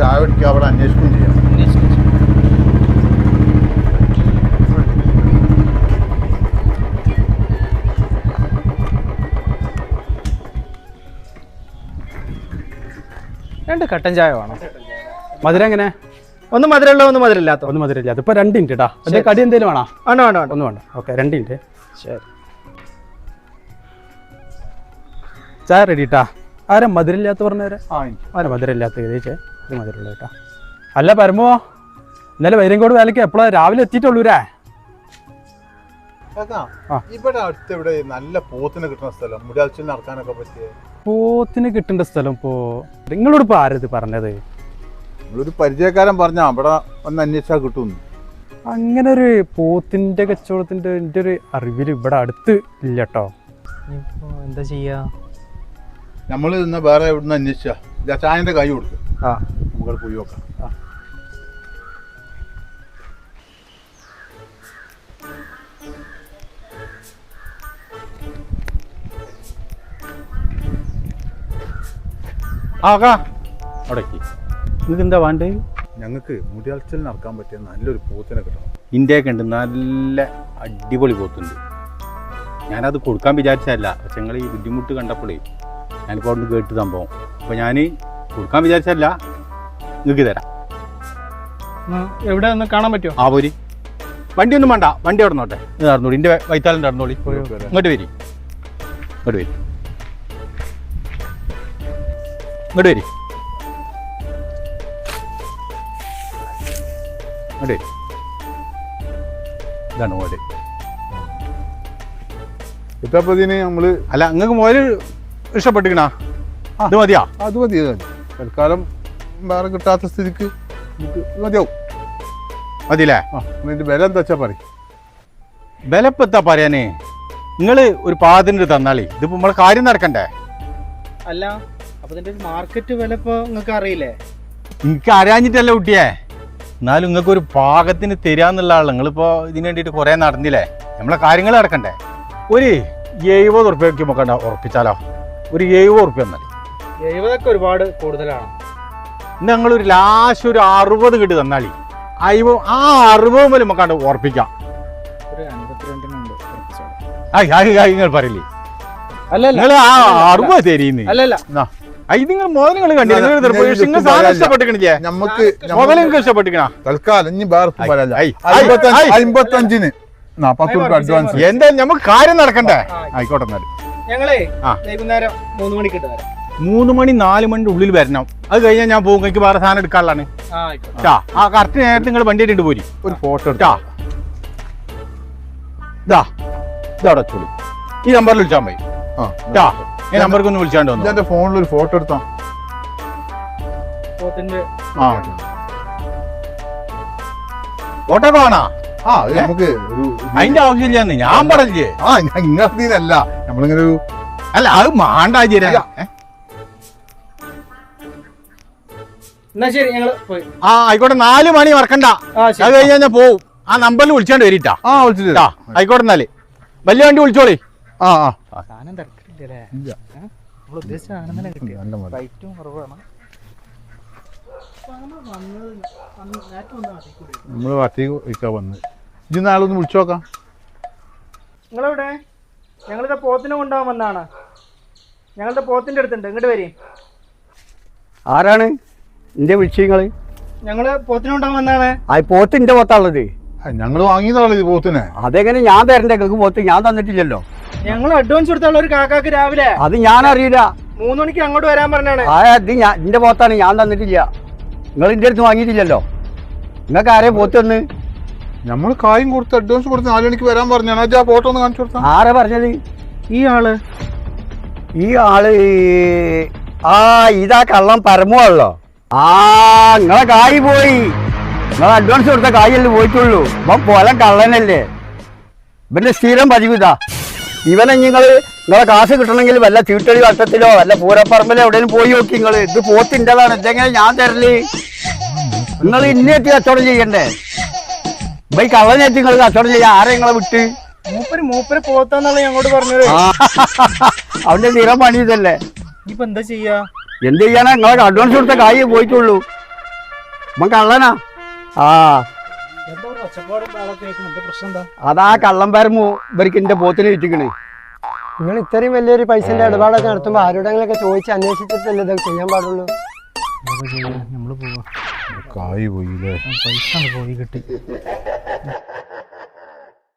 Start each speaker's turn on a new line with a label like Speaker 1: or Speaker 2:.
Speaker 1: ചായ കുടിക്കുക, അവിടെ അന്വേഷിക്കുകയും ചെയ്യാം.
Speaker 2: രണ്ട് കട്ടൻ ചായ വേണം.
Speaker 3: മധുരം എങ്ങനെ?
Speaker 2: ഒന്ന് മധുരമുള്ള ഒന്ന് മധുരമില്ലാത്ത.
Speaker 3: ഒന്ന് മധുരമില്ലാത്ത. ഇപ്പൊ 2 മിനിറ്റ് കേട്ടോ. അതേ കടി എന്തെങ്കിലും വേണോ?
Speaker 2: വേണ്ട വേണ്ട വേണ്ട
Speaker 3: ഒന്നും വേണ്ട. Okay 2 minute.
Speaker 2: ശരി.
Speaker 3: ചായ റെഡി കേട്ടാ. ആരാ മധുരമില്ലാത്ത പറഞ്ഞവരെ? ആരാ മധുരമില്ലാത്ത ചോദിച്ചേ? ഇത് മധുരമുള്ള കേട്ടാ. അല്ല പരമോ, ഇന്നലെ വൈരങ്കോട് വേലയ്ക്ക് എപ്പോഴാ രാവിലെ എത്തിയിട്ടുള്ളൂരേ?
Speaker 1: ഇവിടെ അടുത്ത് നല്ല പോത്തിന് കിട്ടുന്ന സ്ഥലം, മുടിയാഴ്ചയിൽ നടക്കാനൊക്കെ പറ്റിയ
Speaker 3: പോത്തിന് കിട്ടേണ്ട സ്ഥലം. ഇപ്പോ നിങ്ങളോട് ഇപ്പൊ ആരത് പറഞ്ഞത്?
Speaker 1: നമ്മളൊരു പരിചയക്കാരൻ പറഞ്ഞ അവിടെ ഒന്ന് അന്വേഷിച്ചാൽ കിട്ടുന്നു.
Speaker 3: അങ്ങനെ ഒരു പോത്തിന്റെ കച്ചവടത്തിന്റെ എൻ്റെ ഒരു അറിവിൽ ഇവിടെ അടുത്ത് ഇല്ല കേട്ടോ.
Speaker 2: എന്താ ചെയ്യാ?
Speaker 1: നമ്മൾ ഇന്ന് വേറെ എവിടുന്ന് അന്വേഷിച്ചാ ചായന്റെ കൈ കൊടുക്കും. നമുക്ക് പോയി നോക്കാം.
Speaker 3: അവിടേക്ക് നിങ്ങൾക്ക് എന്താ വേണ്ടത്?
Speaker 1: ഞങ്ങൾക്ക് മുടിയാഴ്ചയിൽ നടക്കാൻ പറ്റിയ നല്ലൊരു പോത്തിനെ കിട്ടണം.
Speaker 4: ഇന്ത്യയൊക്കെ ഉണ്ട്, നല്ല അടിപൊളി പോത്തുണ്ട്. ഞാനത് കൊടുക്കാൻ വിചാരിച്ചതല്ല, പക്ഷെ നിങ്ങൾ ഈ ബുദ്ധിമുട്ട് കണ്ടപ്പോഴേ ഞാനിപ്പോൾ അവിടെ കേട്ട് സംഭവം. അപ്പോൾ ഞാൻ കൊടുക്കാൻ വിചാരിച്ചതല്ല, നിങ്ങൾക്ക് തരാം.
Speaker 2: എവിടെ ഒന്ന് കാണാൻ പറ്റുമോ?
Speaker 4: ആ പോരി. വണ്ടി ഒന്നും വേണ്ട, വണ്ടി അവിടെ നോട്ടെ. ഇത് നടന്നോളി, എൻ്റെ വൈത്താലം നടന്നോളി. ഇങ്ങോട്ട് വരി, ഇങ്ങോട്ട് വരി, ഇങ്ങോട്ട് വരി, ഇങ്ങോട്ട് വരി. ഇതാണ് മോല്.
Speaker 1: ഇതപ്പതിന് നമ്മള്
Speaker 4: അല്ല, നിങ്ങൾക്ക് മോല് ഇഷ്ടപ്പെട്ടിക്കണ? ഇത് മതിയാ?
Speaker 1: അത് മതി, അത് മതി. തൽക്കാലം വേറെ കിട്ടാത്ത സ്ഥിതിക്ക് നമുക്ക് മതിയാവും.
Speaker 4: മതിയില്ലേ?
Speaker 1: ഇതിന്റെ വില എന്താ വെച്ചാ പറയും.
Speaker 4: വിലപ്പെത്താ പറയാനേ, നിങ്ങൾ ഒരു പാതിന് തന്നാളി. ഇതിപ്പോ നമ്മളെ കാര്യം നടക്കണ്ടേ?
Speaker 2: അല്ല, അപ്പൊ ഇതിന്റെ മാർക്കറ്റ് വില ഇപ്പൊ നിങ്ങൾക്ക് അറിയില്ലേ?
Speaker 4: എനിക്ക് അറിയാഞ്ഞിട്ടല്ല കുട്ടിയെ, എന്നാലും നിങ്ങൾക്ക് ഒരു പാകത്തിന് തരാന്നുള്ള ആള്. നിങ്ങളിപ്പോ ഇതിന് വേണ്ടിയിട്ട് കുറെ നടന്നില്ലേ, നമ്മളെ കാര്യങ്ങൾ നടക്കണ്ടേ? ഒരു 70 ഉറുപ്പ്യക്ക് നോക്കണ്ട, ഉറപ്പിച്ചാലോ? ഒരു 70 ഉറുപ്പ്യ മതി.
Speaker 2: 70 ഒരുപാട് കൂടുതലാണ്.
Speaker 4: ഞങ്ങളൊരു ലാസ്റ്റ് ഒരു 60 കിട്ടി തന്നാളി. ആ 60 മുതൽ നമുക്കാണ്ട് ഉറപ്പിക്കാം.
Speaker 2: ഒരു 52
Speaker 4: നിങ്ങൾ പറയില്ലേ?
Speaker 2: അല്ല
Speaker 4: നിങ്ങൾ ആ 60 തരീന്ന്.
Speaker 2: അല്ലല്ല,
Speaker 4: ഇത് നിങ്ങൾ മുതൽ നിങ്ങൾ കണ്ടില്ല, നിങ്ങൾ സാധനം ഇഷ്ടപ്പെട്ടിക്കണില്ലേ?
Speaker 1: നമുക്ക്
Speaker 4: മുതൽ നിങ്ങൾക്ക് ഇഷ്ടപ്പെട്ടിക്കണ?
Speaker 1: തൽക്കാലം ഇനി വേറെ 55-ന് 10 രൂപ അഡ്വാൻസ്.
Speaker 4: എന്താ നമുക്ക് കാര്യം നടക്കണ്ടേ? ആയിക്കോട്ടെ. എന്നാലും
Speaker 2: ഞങ്ങളേ വൈകുന്നേരം 3 മണിക്ക് ഇട്ട് തരാം.
Speaker 4: 3 മണി 4 മണിന്റെ ഉള്ളിൽ വരണം. അത് കഴിഞ്ഞാൽ ഞാൻ പോകും, എനിക്ക് വേറെ സാധനം എടുക്കാനുള്ളതാണ്. ആ കറക്റ്റ് നേരത്തെ നിങ്ങൾ വണ്ടി ഇട്ട് പോരി.
Speaker 1: ഒരു ഫോട്ടോ എടുത്താ
Speaker 4: ഇതവിടെ വെച്ചോളി. ഈ നമ്പറിൽ വിളിച്ചാൽ മതി. ഈ നമ്പർക്ക് ഒന്ന് വിളിച്ചാണ്ട് വന്നു.
Speaker 1: എന്റെ ഫോണിൽ ഒരു ഫോട്ടോ എടുത്താ.
Speaker 4: ഫോട്ടോ വേണോ?
Speaker 1: നമുക്ക്
Speaker 4: അതിന്റെ ആവശ്യമില്ലാന്ന് ഞാൻ പറഞ്ഞേ.
Speaker 1: ഇങ്ങനല്ല, നമ്മളിങ്ങനെ ഒരു
Speaker 4: അല്ല, അത് മാണ്ടാചേരാ.
Speaker 2: എന്നാ ശരി, ഞങ്ങള് പോയി.
Speaker 4: ആയിക്കോട്ടെ. 4 മണി മറക്കണ്ട. അത് കഴിഞ്ഞാൽ ഞാൻ പോവും. ആ നമ്പറിൽ വിളിച്ചാണ്ട് വരിട്ടാ.
Speaker 1: വിളിച്ചിട്ടാ.
Speaker 4: ആയിക്കോട്ടെ. എന്നാല് വലിയ വണ്ടി വിളിച്ചോളി.
Speaker 2: സാധനം തിരക്കില്ലേ? നമ്മൾ ഉദ്ദേശിച്ച സാധനം തന്നെ കിട്ടി. റേറ്റും കുറവാണ്.
Speaker 1: നമ്മള് വട്ടി വയ്ക്കാൻ വന്ന് ഇജ് നാളെ ഒന്ന് വിളിച്ചു നോക്കാം.
Speaker 2: നിങ്ങളെവിടെ? ഞങ്ങളിത് പോത്തിനെ കൊണ്ടുപോകാൻ വന്നാണ്. ഞങ്ങളുടെ പോത്തിന്റെ അടുത്തുണ്ട്, ഇങ്ങോട്ട് വരീ.
Speaker 5: ആരാണ് എന്റെ വിളിച്ചങ്ങള്?
Speaker 2: ഞങ്ങള് പോത്തിനെ കൊണ്ടുപോകാൻ വന്നാണ്.
Speaker 5: ആ പോത്ത് എന്റെ പോത്താണുള്ളത്.
Speaker 1: ഞങ്ങൾ വാങ്ങിയതാണല്ലോ ഇത് പോത്തിനെ.
Speaker 5: അതെങ്ങനെ ഞാൻ തരണ്ടേ? നിങ്ങൾക്ക് പോത്ത് ഞാൻ തന്നിട്ടില്ലല്ലോ.
Speaker 2: ഞങ്ങൾ അഡ്വാൻസ് കൊടുത്തുള്ള ഒരു കാക്കാക്ക് രാവിലെ.
Speaker 5: അത് ഞാൻ അറിയില്ല.
Speaker 2: 3 മണിക്ക് അങ്ങോട്ട് വരാൻ പറഞ്ഞാണ്.
Speaker 5: അത് എന്റെ പോത്താണ്, ഞാൻ തന്നിട്ടില്ല. നിങ്ങൾ എന്റെ അടുത്ത് വാങ്ങിയിട്ടില്ലല്ലോ. നിങ്ങൾക്ക് ആരെ പോത്ത് തന്ന്?
Speaker 1: നമ്മൾ കായും കൊടുത്ത് അഡ്വാൻസ് കൊടുത്ത് 4 മണിക്ക് വരാൻ പറഞ്ഞാണ്. ആ ഫോട്ടോ ഒന്ന് കാണിച്ചു കൊടുത്താ.
Speaker 5: ആരാ പറഞ്ഞത്?
Speaker 2: ഈ ആള്
Speaker 5: ഇതാ കള്ളം പരമുള്ളോ? നിങ്ങളെ കായ് പോയി. നിങ്ങൾ അഡ്വാൻസ് കൊടുത്ത കായല്ലേ പോയിട്ടുള്ളൂ. ഇപ്പം പോലെ കള്ളനല്ലേ? ഇവന്റെ സ്ഥിരം പതിവ് ഇതാ. ഇവനെ നിങ്ങളെ കാശ് കിട്ടണമെങ്കിൽ വല്ല ചീട്ടടി വട്ടത്തിലോ വല്ല പൂരപ്പറമ്പിലോ എവിടെയും പോയി നോക്കി. ഇത് പോത്തിൻ്റെതാണ്. ഇതെങ്ങനെ ഞാൻ തരല്? നിങ്ങൾ ഇന്നേറ്റ് കച്ചവടം ചെയ്യണ്ടേ? ഈ കള്ളനേറ്റ് നിങ്ങൾ കച്ചവടം ചെയ്യാൻ ആരെ നിങ്ങളെ വിട്ട്?
Speaker 2: മൂപ്പര് പോത്താന്നുള്ള ഞങ്ങളോട് പറഞ്ഞത്.
Speaker 5: അവന്റെ സ്ഥിരം പണി ഇതല്ലേ.
Speaker 2: ഇപ്പൊ എന്താ ചെയ്യാ?
Speaker 5: എന്ത് ചെയ്യാനാ? നിങ്ങളെ അഡ്വാൻസ് കൊടുത്ത കായ് പോയിട്ടുള്ളൂ. ഇവൻ കള്ളനാ. ആ
Speaker 2: എന്താ ഒച്ചപ്പാടും ബഹളമൊക്കെ കേൾക്കുന്നു? എന്താ പ്രശ്നം എന്താ?
Speaker 5: അതാ കള്ളം പരമു ഇവർക്ക് എന്റെ പോത്തിനെ വിറ്റിക്കണേ.
Speaker 6: നിങ്ങൾ ഇത്രയും വലിയൊരു പൈസന്റെ ഇടപാടൊക്കെ നടത്തുമ്പോൾ ആരോടെങ്കിലൊക്കെ ചോദിച്ച് അന്വേഷിച്ചിട്ടല്ലേ ഇതൊക്കെ ചെയ്യാൻ പാടുള്ളൂ.
Speaker 2: നമ്മള് പോവാ.
Speaker 1: കായ് പോയില്ലേ?
Speaker 2: പൈസ പോയി കിട്ടി.